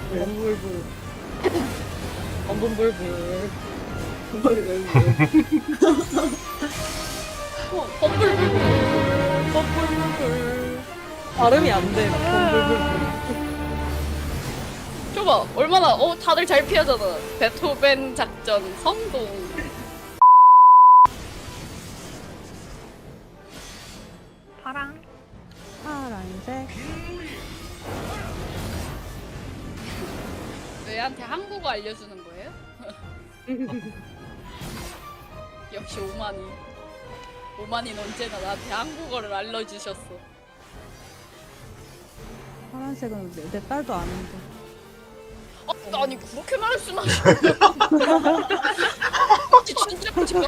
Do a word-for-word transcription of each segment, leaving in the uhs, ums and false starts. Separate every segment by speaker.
Speaker 1: 범불불. 범불불불. 범불불불. 범불불불. 범불불불. 발음이 안 돼. 범불불불.
Speaker 2: 줘봐 얼마나 어 다들 잘 피하잖아. 베토벤 작전 성공.
Speaker 3: 파랑.
Speaker 1: 파란색.
Speaker 2: 얘한테 한국어 알려주는 거예요? 역시 오만이. 오만이는 언제나 나한테 한국어를 알려주셨어.
Speaker 1: 파란색은 내, 내 딸도 아는데.
Speaker 2: 아, 아니 그렇게 말씀하시면 진짜 진짜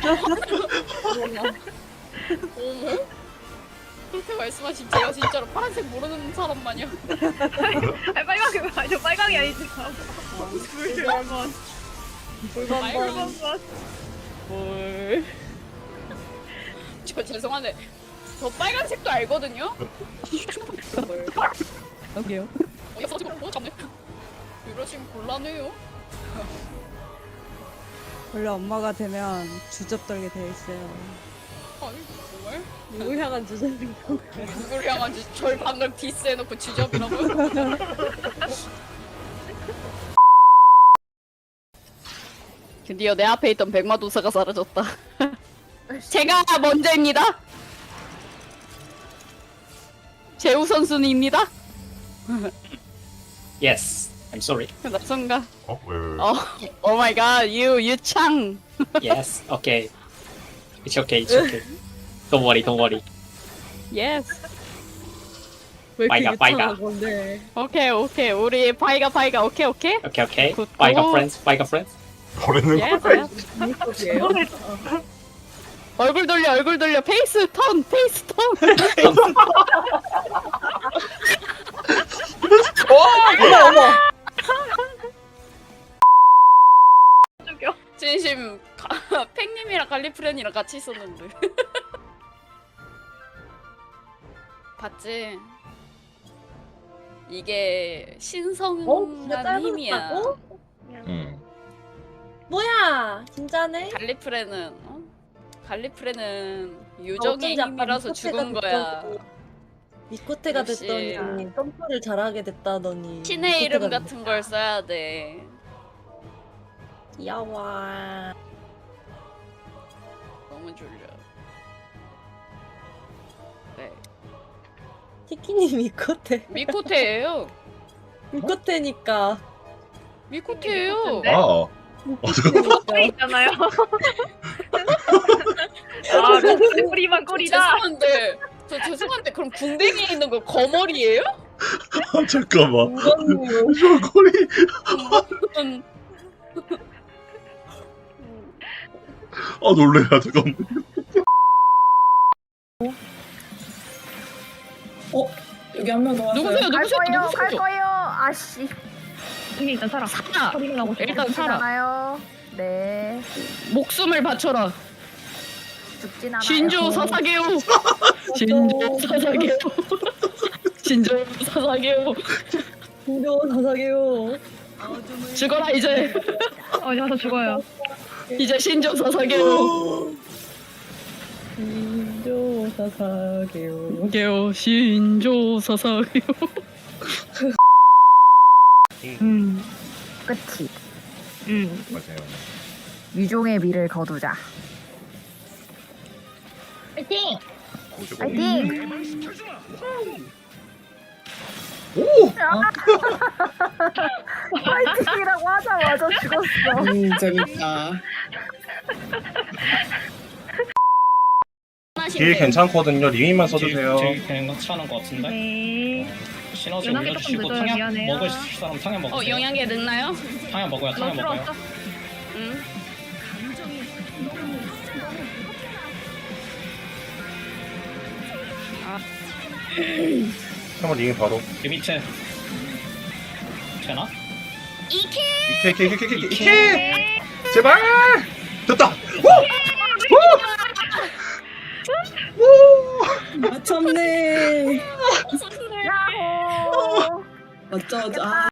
Speaker 2: 어머? 그렇게 말씀하시면 제가 진짜로 파란색 모르는 사람 마냥.
Speaker 3: 아니 빨강이 아니 빨강이 아니지. 붉은 것. 붉은 것.
Speaker 2: 뭘? 저 죄송한데 저 빨간색도 알거든요. 뭘?
Speaker 1: 여기요.
Speaker 2: 어, 여기서 지금 뭐 잡네. 이러시면 곤란해요.
Speaker 1: 원래 엄마가 되면 주접 떨게 돼 있어요.
Speaker 2: 아니 정말?
Speaker 1: 누구 향한 주접인 거?
Speaker 2: 누굴 향한지 절 방금 디스해놓고 지적이라고요? 드디어 내 앞에 있던 백마도사가 사라졌다. 제가 먼저입니다. 제우 선수님입니다.
Speaker 4: Yes, I'm sorry.
Speaker 2: 나 순간
Speaker 5: 어? 왜, 왜, 왜?
Speaker 2: 어, 오 마이 갓, 유 유창.
Speaker 4: Yes, okay. It's okay, it's okay. Don't worry, don't worry.
Speaker 2: 예스.
Speaker 1: 왜 이렇게
Speaker 4: 빨가, 빨가.
Speaker 1: 유창한 건데?
Speaker 2: 오케이 오케이 우리 파이가 파이가 오케이 오케이.
Speaker 4: Okay, okay.
Speaker 2: Good.
Speaker 4: Bye, got
Speaker 2: Oh.
Speaker 4: friends. Bye, got friends.
Speaker 5: 버리는
Speaker 2: 예스.
Speaker 5: 거야?
Speaker 1: 이거예요?
Speaker 2: 얼굴 돌려 얼굴 돌려 페이스 턴 페이스 턴.
Speaker 1: 어머 어머.
Speaker 3: 죽여.
Speaker 2: 진심 가- 팽님이랑 갈리프렌이랑 같이 있었는데. 봤지? 이게 신성한
Speaker 6: 어? 진짜
Speaker 2: 힘이야.
Speaker 6: 짧았다고?
Speaker 5: 응.
Speaker 6: 뭐야 진짜네?
Speaker 2: 갈리프렌은 어? 갈리프렌은
Speaker 6: 어쩐지
Speaker 2: 유정의
Speaker 6: 아까
Speaker 2: 힘이라서
Speaker 6: 미코테가
Speaker 2: 죽은 거야.
Speaker 6: 됐더니, 미코테가
Speaker 2: 역시.
Speaker 6: 됐더니 점프를 잘하게 됐다더니
Speaker 2: 신의 이름
Speaker 6: 미코테가
Speaker 2: 같은 걸 써야 돼.
Speaker 6: 됐- 귀여워.
Speaker 2: 너무 졸려. 네.
Speaker 6: 티키님 미코테
Speaker 2: 미코테예요.
Speaker 6: 미코테니까
Speaker 2: 미코테예요.
Speaker 5: 아, 어, 잠깐만.
Speaker 3: 꼬리 있잖아요. 아, 롱 꼬리만 꼬리다.
Speaker 2: 죄송한데 저 죄송한데 그럼 궁뎅이에 있는 거 거머리예요?
Speaker 5: 아, 잠깐만.
Speaker 6: 이거는
Speaker 5: 저 꼬리.
Speaker 2: 음,
Speaker 5: 아, 놀래라, 잠깐만.
Speaker 7: 여기 한 명 더 왔어요.
Speaker 2: 누구세요?
Speaker 8: 갈
Speaker 2: 누구세요?
Speaker 8: 거예요, 갈
Speaker 2: 누구세요?
Speaker 8: 거예요. 아씨,
Speaker 3: 여기 일단 살아.
Speaker 2: 살아.
Speaker 3: 소리를 나고 싶어.
Speaker 2: 일단 살아.
Speaker 8: 죽잖아요. 네,
Speaker 2: 목숨을 바쳐라.
Speaker 8: 죽진 않아요.
Speaker 2: 신조 사사게요. 신조 사사게요. 신조 사사게요.
Speaker 6: 무려 사사게요.
Speaker 2: 죽어라 이제.
Speaker 3: 어디 가서 죽어요.
Speaker 2: 이제 신조 사사게요.
Speaker 6: 인조 사사게요.
Speaker 2: 게요 신조 사사게요.
Speaker 8: 음, 끝이.
Speaker 3: 음.
Speaker 5: 맞아요.
Speaker 8: 유종의 미를 거두자.
Speaker 3: 파이팅!
Speaker 8: 파이팅!
Speaker 5: 오!
Speaker 8: 파이팅이라고 하자마자 죽었어.
Speaker 7: 음, 재밌다.
Speaker 9: 길 괜찮거든요. 리미만 써주세요.
Speaker 4: 제일 괜찮은 것 같은데?
Speaker 3: 네.
Speaker 4: 시너지
Speaker 3: 연락이
Speaker 4: 올려주시고
Speaker 3: 조금 늦어요.
Speaker 4: 탕약
Speaker 3: 미안해요.
Speaker 4: 먹을 사람 탕약 먹으세요.
Speaker 2: 어 영양제 넣나요?
Speaker 4: 탕약 먹어요.
Speaker 3: 너
Speaker 4: 탕약
Speaker 3: 필요
Speaker 4: 먹어요.
Speaker 3: 없어?
Speaker 2: 응.
Speaker 5: 잠깐만, 리미 바로.
Speaker 4: 이 밑에 되나?
Speaker 2: 이케.
Speaker 5: 이케, 이케, 이케, 이케, 이케.
Speaker 3: 네.
Speaker 5: 제발! 됐다!
Speaker 7: 맞췄네.
Speaker 8: 야호!
Speaker 7: 어쩌죠? 아.